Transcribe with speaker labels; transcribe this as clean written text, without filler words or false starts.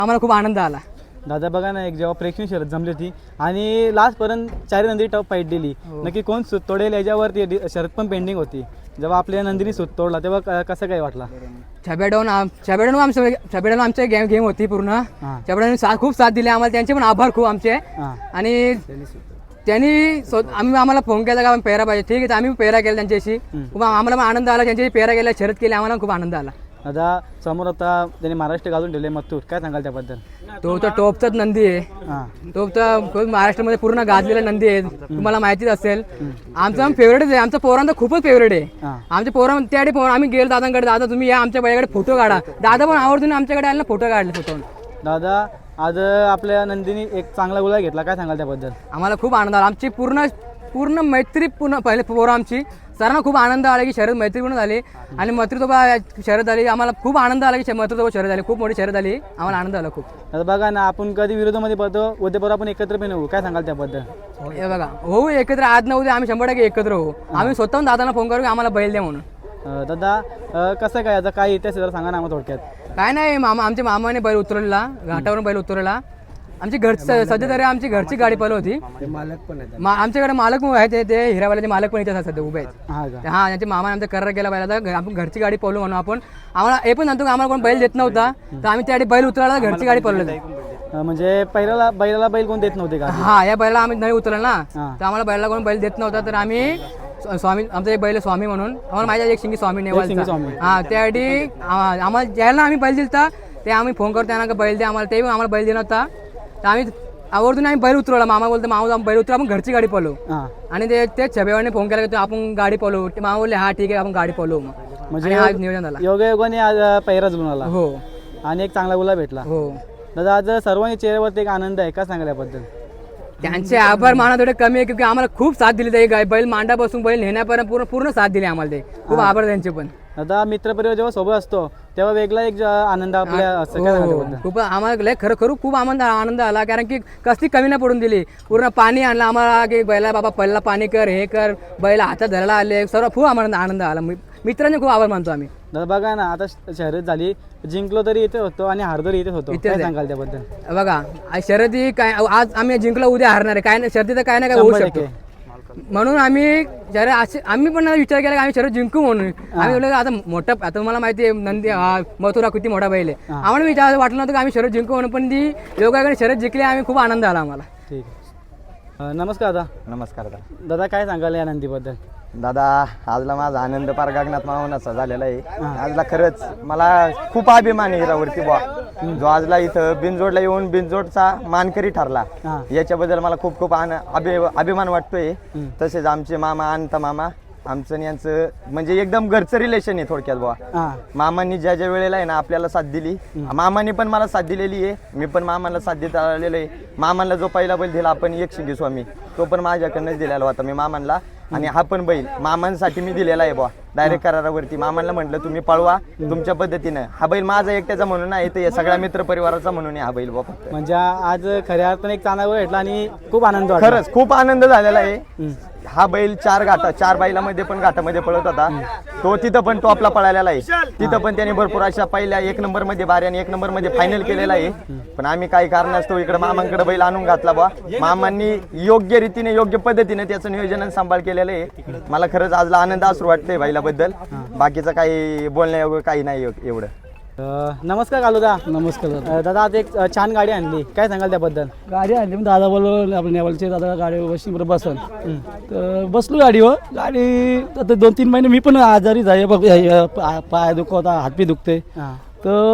Speaker 1: आम्हाला खूप आनंद आला.
Speaker 2: दादा बघा ना, एक जेव्हा प्रेक्षणीय शर्यत जमली होती आणि लास्टपर्यंत 4 नंदी टॉप फाईट दिली, नक्की कोण सूत तोडेल याच्यावरती शर्यत पण पेंडिंग होती. जेव्हा आपल्या नंदीने सूत तोडला तेव्हा कसं काय वाटला?
Speaker 1: छबेडाऊन आमच्या गेम होती पूर्ण. छबेडाऊन खूप साथ दिली आम्हाला, त्यांचे पण आभार खूप आमचे. आणि त्यांनी आम्हाला फोन केला का आम्ही पेहरा पाहिजे, ठीक आहे आम्ही पेहरा केला त्यांच्याशी. खूप आम्हाला पण आनंद आला, त्यांच्याशी पेहरा केला, शर्यत केली, आम्हाला खूप आनंद आला.
Speaker 2: दादा समोर आता त्यांनी महाराष्ट्र गाजून ठेवले मथुर, काय सांगाल त्याबद्दल?
Speaker 1: तो तर टॉपचाच नंदी आहे. तो तर महाराष्ट्रामध्ये पूर्ण गाजलेला नंदी आहे, तुम्हाला माहितीच असेल. आमचा फेवरेटच आहे, आमचा पोरांचा खूपच फेवरेट आहे. आमच्या त्यासाठी आम्ही गेलो दादांकडे, दादा तुम्ही या आमच्या बैलाकडे फोटो काढा. दादा पण आवर्जून आमच्याकडे आले, फोटो काढले स्वतःहून.
Speaker 2: दादा आज आपल्या नंदीने एक चांगला गुलाल घेतला, काय सांगाल त्याबद्दल?
Speaker 1: आम्हाला खूप आनंद आला. आमची पूर्ण मैत्री पहिले पोरं आमची सर्वांना खूप आनंद आला की शर्यत मैत्रीपूर्ण झाली आणि मैत्रीसोबत शर्यत झाली. आम्हाला खूप आनंद आला की मैत्रीसोबत शर्यत झाली, खूप मोठी शर्यत झाली, आम्हाला आनंद आला खूप.
Speaker 2: आता बघा ना, आपण कधी विरोधामध्ये पडतो, उद्यापर्यंत आपण एकत्र पण होऊ, काय सांगाल त्याबद्दल?
Speaker 1: हे बघा होऊ एकत्र, आज न उद्या आम्ही 100% एकत्र होऊ. आम्ही स्वतःहून दादांना फोन करू की आम्हाला बैल द्या म्हणून.
Speaker 2: दादा कसं काय, आता काय इतिहास जरा सांगा ना आम्हाला थोडक्यात.
Speaker 1: काय नाही, आमच्या मामाने बैल उतरवला, घाटावरून बैल उतरवला. आमची सध्या तरी आमची घरची गाडी पळव होती.
Speaker 2: मालक पण
Speaker 1: आमच्याकडे मालक आहेत, ते हिरावाल्याचे मालक पण इथे सध्या उभे आहेत.
Speaker 2: हा
Speaker 1: त्यांच्या मामाने आमचा करार केला पाहिजे, आपण घरची गाडी पळवू म्हणून. आपण आम्हाला हे पण सांगतो की आम्हाला कोण बैल देत नव्हता, तर आम्ही त्यासाठी बैल उतरवला, घरची गाडी पळवली.
Speaker 2: म्हणजे बैलाला बैल कोण देत नव्हते का?
Speaker 1: हा, या बैला आम्ही नाही उतरला ना, तर आम्हाला बैलाला कोण बैल देत नव्हता, तर आम्ही स्वामी, आमचा एक बैल स्वामी म्हणून आम्हाला माहिती आहे, एक शिंगी स्वामी नेवालचा. हा, त्यासाठी आम्हाला ज्याला आम्ही बैल दिलता ते आम्ही फोन करतो त्यांना बैल द्या आम्हाला, ते आम्हाला बैल देत नव्हता, तर आम्ही आवर्जून आम्ही बैल उतरवला. मामा बोलतो मामा बैल उतरव, आपण घरची गाडी पळवू. आणि ते छबेवाने फोन केला की आपण गाडी पळवू. ते मामा बोलले हा ठीक आहे आपण गाडी पळवू. म्हणजे हा नियोजन झाला.
Speaker 2: योगायोगाने आज पहिरा जुळून आला.
Speaker 1: हो,
Speaker 2: आणि एक चांगला गुलाब भेटला.
Speaker 1: हो
Speaker 2: दादा आज सर्वांच्या चेहऱ्यावरती एक आनंद आहे, का सांगा याबद्दल?
Speaker 1: त्यांचे आभार माना थोडे कमी आहे, क्योंकि आम्हाला खूप साथ दिली. ते बैल मांडापासून बैल नेण्यापर्यंत पूर्ण साथ दिली आम्हाला. ते खूप आभार त्यांचे पण.
Speaker 2: आता मित्रपरिवार जेव्हा सोबत असतो तेव्हा वेगळा एक आनंद आपल्या असतो.
Speaker 1: खूप आम्हाला खरं खूप आनंद आला, कारण की कसली कमी नाही पडून दिली. पूर्ण पाणी आणलं आम्हाला की बैला बाबा पहिला पाणी कर, हे कर, बैला हातात धरायला आले, सर्व खूप आम्हाला आनंद आला. मित्रांचे खूप आभार मानतो आम्ही.
Speaker 2: दादा बघा ना, आता शर्यत झाली, जिंकलो तरी इथे होतो आणि हारदोरी इथे होतो, काय सांगाल त्याबद्दल?
Speaker 1: बघा शर्यती काय, आज आम्ही जिंकलो उद्या हारणार आहे, काय नाही शर्यती तर काय नाही काय होऊ शकतो. म्हणून आम्ही आम्ही पण विचार केला की आम्ही शर्यत जिंकू म्हणून. आम्ही बोललो आता मोठा, आता तुम्हाला माहिती आहे नंदी मथुरा किती मोठा बैल आहे, आम्हाला विचार वाटलं नव्हतं की आम्ही शर्यत जिंकू म्हणून, पण ती योगाकडे शर्यत जिंकली, आम्ही खूप आनंद आला आम्हाला.
Speaker 2: ठीक आहे. नमस्कार दादा.
Speaker 3: नमस्कार दादा.
Speaker 2: दादा काय सांगाल या नंदीबद्दल?
Speaker 3: दादा आजला माझा आनंद पार गगनात मावनाचा झालेला आहे. आजला खरंच मला खूप अभिमान आहे हिरावरती बुवा, जो आजला इथं बिनजोडला येऊन बिनजोडचा मानकरी ठरला, याच्याबद्दल मला खूप खूप अभिमान वाटतोय. तसेच आमचे मामा अनंत मामा, आमचं यांचं म्हणजे एकदम घरचं रिलेशन आहे थोडक्यात बुवा. मामांनी ज्या ज्या वेळेला आहे ना आपल्याला साथ दिली, मामांनी पण मला साथ दिलेली आहे, मी पण मामाला साथ देत आलेलो आहे. मामांना जो पहिला बैल दिला आपण एक शिंगी स्वामी, तो पण माझ्याकडनंच दिलेला होता मी मामांना. आणि हा पण बैल मामांसाठी मी दिलेला आहे बुवा, डायरेक्ट करारावरती. मामांना म्हटलं तुम्ही पळवा तुमच्या पद्धतीनं. हा बैल माझा एकट्याचा म्हणून नाही, तर सगळ्या मित्र परिवाराचा म्हणून हा बैल बुवा.
Speaker 2: म्हणजे आज खऱ्या अर्थाने एक चांगला भेटला आणि खूप आनंद वाटला.
Speaker 3: खरंच खूप आनंद झालेला आहे. हा बैल 4 बैलामध्ये पण घाटामध्ये पळत होता, तो तिथं पण टॉपला पळालेला आहे. तिथं पण त्याने भरपूर अशा पहिल्या 1 नंबरमध्ये बारी आणि 1 नंबरमध्ये फायनल केलेला आहे. पण आम्ही काही कारणास्तव इकडे मामांकडे बैल आणून घातला बा. मामांनी योग्य रीतीने योग्य पद्धतीने त्याचं नियोजन सांभाळ केलेलं आहे. मला खरंच आजला आनंद असू वाटतंय बैलाबद्दल. बाकीचं काही बोलण्यायोग्य काही नाही एवढं.
Speaker 2: नमस्कार कालूदा. नमस्कार दादा. आज एक छान गाडी आणली, काय सांगाल त्याबद्दल?
Speaker 4: गाडी आणली मग दादा बोलवलं, आपण नेवलचे दादा गाडी बसली बरं बसन, तर बसलो गाडीवर. गाडी आता 2-3 महिने मी पण आजारी झाले बघ, पाय दुखवता, हातपी दुखते, तर